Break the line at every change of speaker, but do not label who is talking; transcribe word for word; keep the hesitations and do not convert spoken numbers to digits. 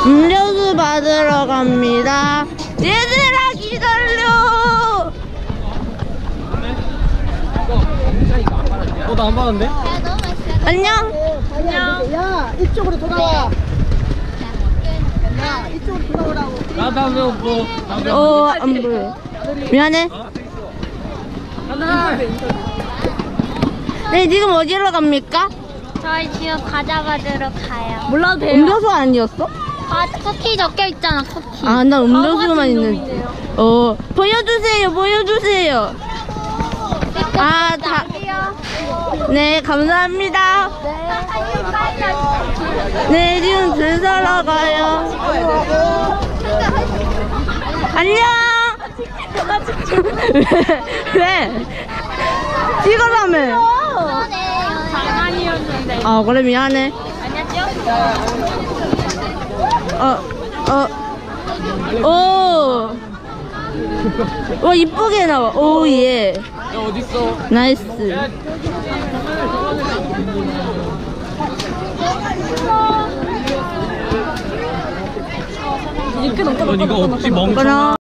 음료수 받으러 갑니다. 얘들아 기다려.
어, 나 안 받았는데?
안녕.
안녕. 야, 이쪽으로 돌아와. 야, 이쪽으로 돌아오라고.
나도 안 배웠고.
어, 안 보여. 미안해.
하나.
네, 지금 어디로 갑니까?
저희 지금 과자 받으러 가요.
몰라도 돼요. 음료수 아니었어?
아, 쿠키 적혀 있잖아, 쿠키.
아, 나 음료수만 있는데. 어, 보여주세요, 보여주세요. 아, 다. 네, 감사합니다. 네, 지금 줄 서러 가요. 안녕. 왜? 왜? 찍으라며.
장난이었는데.
아, 그래, 미안해. 어, 어. 오. 와, 이쁘게 나와. 오, 예.
야, 어딨어?
나이스.
넌 이거 없지, 멍청아.
그럼.